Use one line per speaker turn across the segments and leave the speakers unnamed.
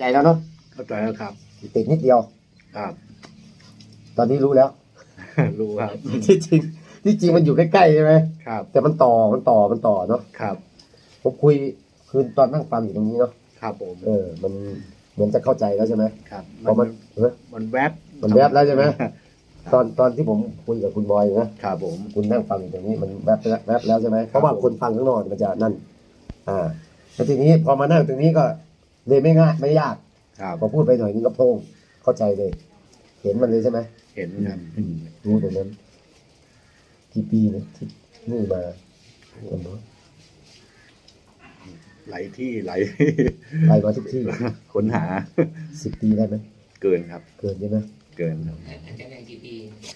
ใจแล้วเนาะ
เข้าใจแล้วครับ
ติดนิดเดียว
ครับ
ตอนนี้รู้แล้ว
รู้ครับ
ที่จริงมันอยู่ใกล้ๆใช่ไหม
ครับ
แต่มันต่อเนาะ
ครับ
ผมคุยคือตอนนั่งฟังอยู่ตรงนี้เนาะ
ครับผม
มันเหมือนจะเข้าใจแล้วใช่ไหม
ครับ
เพราะ
มันแวบ
มันแวบแล้วใช่ไหมตอนที่ผมคุยกับคุณบอยนะครับ
ผม
คุณนั่งฟังอยู่ตรงนี้มันแวบแล้วใช่ไหมเพราะว่าคนฟังข้างนอกมันจะนั่นแล้วทีนี้พอมานั่งตรงนี้ก็เลยไม่ง่ายไม่ยาก
ครับ
พอพูดไปหน่อยนึงก็โพงเข้าใจเลย เห็นมันเลยใช่ไหม
เห็นครับ
รู้ตรงนั้นกี่ปีนะที่นี่มาคนเนาะ
ไหลที่ไหล
ไปมาทุกที่
ค้นหา
10 ปีได้ไหม
เกินครับ
เกินใช่ไหม
เกินครับ
อาจารย์อย่างกี่ปี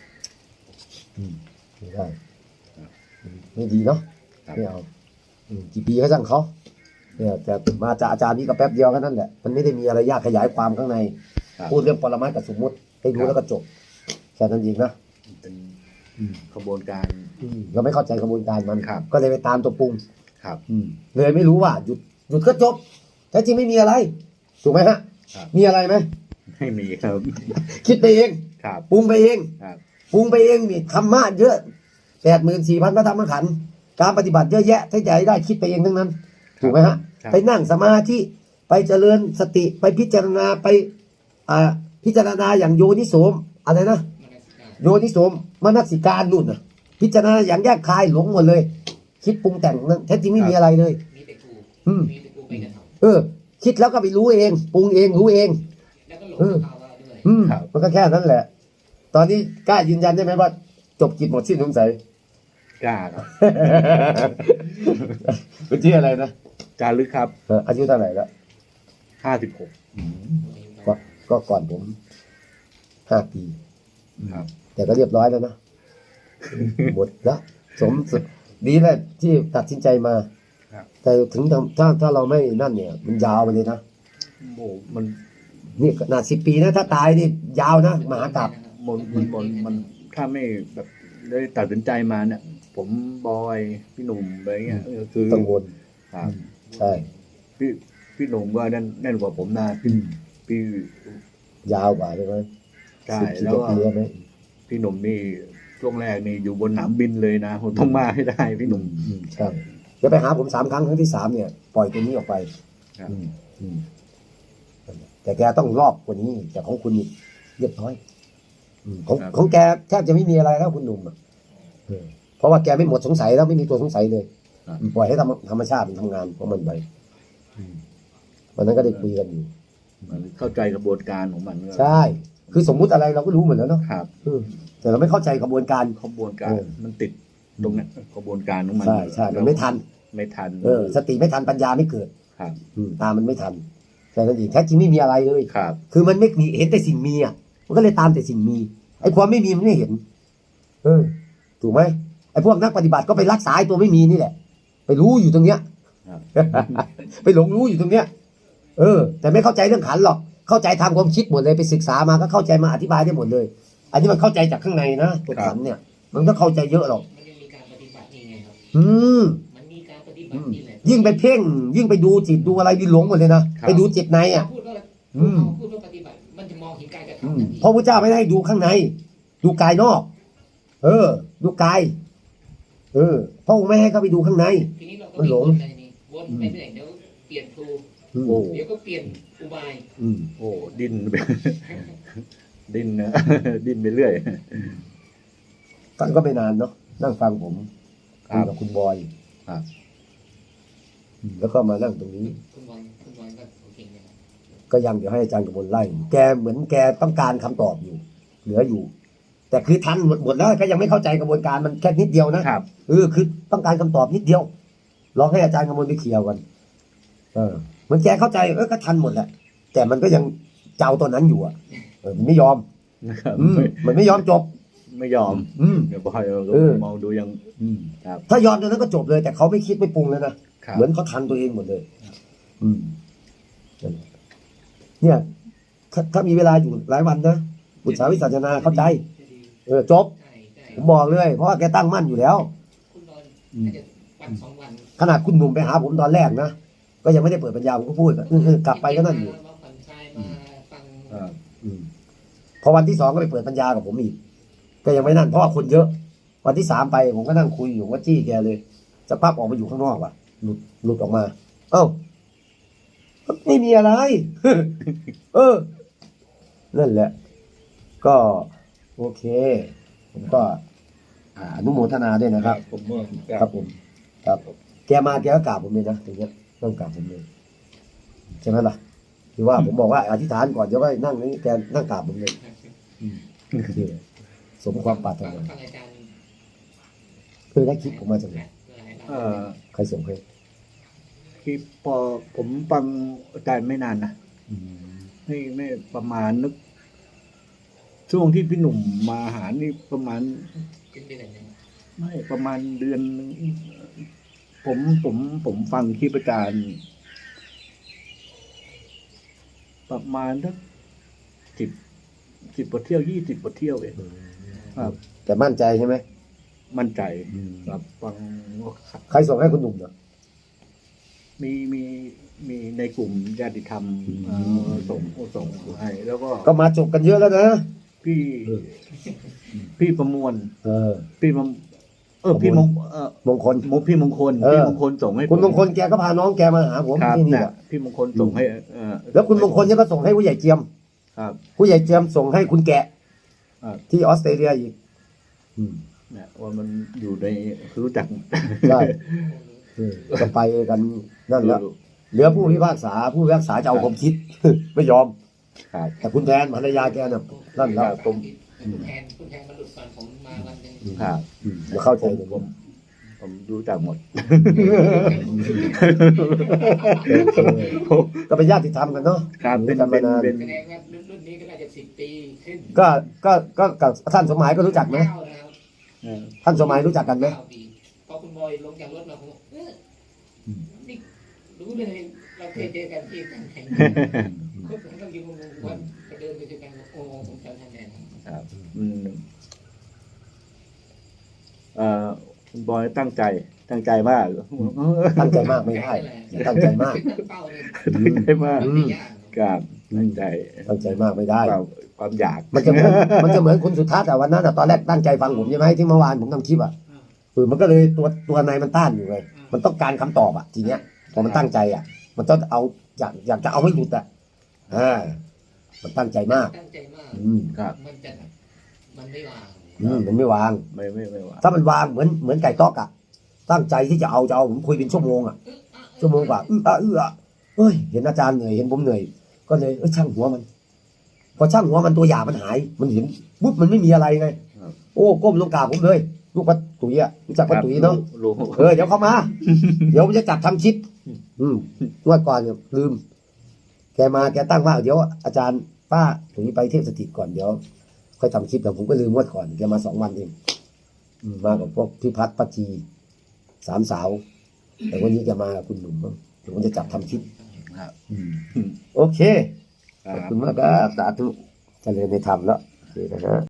ไม่ได้ไม่ดีเนาะ
ครับ
ไม่เอากี่ปีก็ช่างเขาเนี่ยแต่มาจากอาจารย์นี่ก็แป๊บเดียวแค่นั้นแหละมันไม่ได้มีอะไรยากขยายความข้างใน
ครับ
พูดเรื่องปรมัตถ์กับสมมุติให้รู้แล้วก็จบแค่นั้นเองนะ
เป็นขบวนการ
เราไม่เข้าใจกระบวนการมัน
ครับ
ก็เลยไปตามตัวปรุง
ครับ
เลยไม่รู้ว่าหยุดก็จบแท้จริงไม่มีอะไรถูกไหมฮะ
ครับ
มีอะไรไหม
ไม่มีครับ
คิดไปเอง
ครับ
ปรุงไปเอง
ครับ
ปรุงไปเองนี่ธรรมะเยอะ84,000 พระธรรมขันธ์การปฏิบัติเยอะแยะถ้าจะได้คิดไปเองทั้งนั้นถูกไหมฮะ
ครับ
ไปนั่งสมาธิไปเจริญสติไปพิจารณาไปพิจารณาอย่างโยนิโสมอะไรนะ โยนิโสมมนสิการนู่นนะพิจารณาอย่างแยกคายหลงหมดเลย คิดปรุงแต่งนั้นแท้จริงไม่มีอะไรเลย
มีแต่กู
อืม
มีแต่กูไปกระท
คิดแล้วก็ไปรู้เองปรุงเองรู้เอง
ำแล้วก็หลงภาวะด้วย
มันก็แค่นั้นแหละ ตอนนี้กล้ายืนยันได้ไหมว่า จบกิจหมดสิ้นสงสัย
กล้าครับ
เป็นที่อะไรนะ
จารึกครับ
อายุเท่าไหร่แล้ว
56
ก็ก่อนผม5 ปี
ครับ
แต่ก็เรียบร้อยแล้วนะ หมดแล้วดีแหละที่ตัดสินใจมา
ครับ
แต่ถึงถ้าเราไม่นั่นเนี่ย มันยาวไปเลยนะ
โอ้มัน
นี่ขนาด10 ปีนะถ้าตายนี่ยาวนะมหากาพย์
มันถ้าไม่แบบได้ตัดสินใจมาเนี่ย ผมบอยพี่หนุ่มอะไรเงี้ยคือ
กังวล
ครับ
ใช่
พี่หนุ่มก็แน่นกว่าผมนะพี่
ยาวกว่าใช่ไหม
ใช่
10
แล้วก็
ปีไหม
พี่หนุ่มนี่ช่วงแรกนี่อยู่บนสนามบินเลยนะผมต้องมาให้ได้พี่หนุ่ม
ใช่จะไปหาผม3 ครั้งที่ 3เนี่ย ปล่อยตัวนี้ออกไป
ครับ
แต่แกต้องรอบกว่านี้แต่ของคุณนี่เรียบร้อยของแกแทบจะไม่มีอะไรแล้วคุณหนุ่มเพราะว่าแกไม่หมดสงสัยแล้วไม่มีตัวสงสัยเลยปล่อยให้ธรรมชาติมันทำงานของมันไปวันนั้นก็ได้คุยกันอยู่
มันเข้าใจกระบวนการของมัน
ใช่ คือสมมุติอะไรเราก็รู้หมดแล้วเนาะ
ครับ
แต่เราไม่เข้าใจกระบวนการ
กระบวนการมันติดตรงนี้กระบวนการของมัน
ใช่มันไม่ทัน
ไม่ทัน
สติไม่ทันปัญญาไม่เกิด
ครับ
ตามมันไม่ทันแต่นั่นเองแท้จริงไม่มีอะไรเลย
ครับ
คือมันไม่มีเห็นแต่สิ่งมีมันก็เลยตามแต่สิ่งมีไอ้ความไม่มีมันไม่เห็นถูกไหมไอ้พวกนักปฏิบัติก็ไปรักษาไอ้ตัวไม่มีนี่แหละ ไปรู้อยู่ตรงเนี้ย ไปหลงรู้อยู่ตรงเนี้ยแต่ไม่เข้าใจเรื่องขันหรอกเข้าใจทางความคิดหมดเลยไปศึกษามาก็เข้าใจมาอธิบายได้หมดเลย อันนี้มันเข้าใจจากข้างในนะตัวขันเนี่ย มันก็เข้าใจเยอะหรอก
มันยังมีการปฏิบัตินี่ไงครับ
ม
มันมีการปฏิบัตินี่แหละ
ยิ่งไปเพ่ง ยิ่งไปดูจิตดูอะไรยิ่งหลงหมดเลยนะไปดูจิตในอ่ะ
พูดว่าพูดว่าปฏิบัติมันจะมองเห็นการกระทำทันที
เพราะพระเจ้าไม่ได้ดูข้างใน ดูกายนอก ดูกายพระองค์ไม่ให้เข้าไปดูข้างใน
ทีนี้เราก็มีวนอะไรนี่วนไปเรื่อยเดี๋ยวเปลี่ยนครู
โอ้
เดี๋ยวก็เปลี่ยนอุบาย
โอ้ดิ้นไป ดิ้นนะ ดิ้นไปเรื่อย
ท่านก็ไม่นานเนาะนั่งฟังผม
ครั
คุย
บ
กับคุณบอย
ครับ
แล้วก็มานั่งตรงนี้
คุณบอลก็โอเคนะครับ
ก็ยังเดี๋ยวให้อาจารย์กมลไล่แกเหมือนแกต้องการคำตอบอยู่ เหลืออยู่ แต่คือทันหมดแล้วก็ยังไม่เข้าใจกระบวนการมันแค่นิดเดียวนะครับ คือต้องการคำตอบนิดเดียวลองให้อาจารย์กมลไปเคลียร์กันเหมือนแกเข้าใจก็ทันหมดแหละแต่มันก็ยังเจ้าตัวนั้นอยู่มันไม่ยอม
นะครับ
มันไม่ยอมจบ
ไม่ยอมเดี๋ยวบอยเรามองดูยังครับ
ถ้ายอมตรงนั้นก็จบเลย แต่เขาไม่คิดไม่ปรุงเลยนะครับ เหมือนเขาทันตัวเองหมดเลยเนี่ยถ้ามีเวลาอยู่หลายวันนะบุตรสาวิสัชนาเข้าใจจบ
ใช่
ผมบอกเลย เพราะว่าแกตั้งมั่นอยู่แล้ว
คุณบอลน่าจะวันสองวัน
ขนาดคุณหนุ่มไปหาผมตอนแรกนะก็ยังไม่ได้เปิดปัญญาผมก็พูดกลับไปก็นั่นอยู่
มาผ่อนคลาย
ครับ
พอวันที่สองก็ไปเปิดปัญญากับผมอีกก็ยังไม่นั่นเพราะว่าคนเยอะ วันที่สามไปผมก็นั่งคุยอยู่ว่าจี้แกเลยจะพับออกมาอยู่ข้างนอกว่ะหลุดออกมา เอ้าไม่มีอะไร เออนั่นแหละ ก็โอเค ผมก็อนุโมทนาด้วยนะครับ
ผมว่า
ครับผม ครับแกมาแกก็กราบผมเลยนะตรงเนี้ยต้องกราบผมเลยใช่ไหมล่ะคือว่าผมบอกว่าอธิษฐานก่อนเดี๋ยวก็นั่งนี่แกนั่งกราบผมเลยโอเคสมความปรารถ
ฟัง
นา
ฟังอาจารย์
เคยได้คลิปผมมาจากไหน ใครส่งให้
ที่พอผมฟังอาจารย์ไม่นานนะไม่ประมาณนึก ช่วงที่พี่หนุ่มมาหานี่ประมาณ
ขึ้นไปไหนเนี่ย
ไม่ประมาณเดือนหนึ่งผมฟังคลิปอาจารย์ประมาณสัก10 บทเที่ยว20 บทเที่ยวเองครับ
แต่มั่นใจใช่ไหม
มั่นใจครับฟัง
ใครส่งให้คุณหนุ่มเหรอ
มีในกลุ่มญาติธรรมส่งให้แล้วก็
ก็มาจบกันเยอะแล้วนะ
พี่ประมวล พี่มงพี่มง
มงคล
พี่มงคล
เออ
พี่มงคลส่งให้
คุณมงคลแกก็พาน้องแกมาหาผม
ครับ
ที่นี่
เนี่ย
แหละ
พี่มงคลส่งให้
แล้วคุณมงคลเนี่ยก็ส่งให้ผู้ใหญ่เจียม
ครับ
ผู้ใหญ่เจียมส่งให้คุณแกะ
ครับ
ที่ออสเตรเลียอีก
เนี่ยว่ามันอยู่ในรู้จัก
ใช่ก็ไปกันนั่นแหละเหลือผู้พิพากษาจะเอาผมคิด ไม่ยอม
ครับ
แต่คุณแทนภรรยาแกน่ะนั่นแล้ว
คุณแทนมาหลุดก่อนผมมาวันหนึ่ง
ครับ
อย่าเข้าใจเลย
ผมรู้จักหมด
ก็เป็นญาติธรรมกันเนาะ
ครับ
เป็นกันมานาน
เป็น
แสดงว่ารุ่นนี้ก็น่าจะ10 ปีขึ้น
ก็กับท่านสมหมายก็รู้จักไหม
9แล้ว
ท่านสมหมายรู้จักกันไหม
9 ปีพอคุณบอยลงจากรถมาผมบอกนี่รู้เลยเราเคยเจอกันที่กันไหนก็ผมต้องยืนงงวันไปเดินไปเจอกันโอ้ผมจำท่านแน่นอน
ครับคุณบอยตั้งใจมาก
ตั้งใจมากไม่ได้อย่าตั้งใจมาก
เป้าเลย
ตั้งใจมาก
ไม่ยาก
ครับตั้งใจ
ตั้งใจมากไม่ได้
ความอยาก
มันจะเหมือนคุณสุทัศน์แต่วันนั้นตอนแรกตั้งใจฟังผมใช่ไหมที่เมื่อวานผมทำคลิปมันก็เลยตัวในมันต้านอยู่ไงมันต้องการคำตอบทีเนี้ยพอมันตั้งใจมันต้องเอาอยากจะเอาให้หลุดมันตั้งใจมาก
ตั้งใจมาก
ครับ
มันไม่วาง
มันไม่วาง
ไม่ว่า
ถ้ามันวางเหมือนไก่ต๊อกตั้งใจที่จะเอาผมคุยเป็นชั่วโมงชั่วโมงกว่าเฮ้ยเห็นอาจารย์เหนื่อยเห็นผมเหนื่อยก็เลยช่างหัวมัน พอช่างหัวมันตัวหยามันหายมันเห็นปุ๊บมันไม่มีอะไรไงโอ้ก้มลงกราบผมเลยลูกป้าตุ๋ยรู้จักป้าตุ๋ยเนาะ
รู้
เดี๋ยวเข้ามา เดี๋ยวผมจะจับทำคลิปงวดก่อนเนี่ยลืม แกมาแกตั้งว่าเดี๋ยวอาจารย์ป้าตุ๋ยไปเทพสถิตก่อนเดี๋ยวค่อยทำคลิปแต่ผมก็ลืมงวดก่อนแกมา2 วันเองมากับพวกพี่พัฒน์ป้าจี3 สาว แต่วันนี้แกมากับคุณหนุ่มเดี๋ยวผมจะจับทำคลิป
ครับ
โอเคขอบคุณมากครับสาธุเจริญในธรรมแล้วโอเคนะฮะ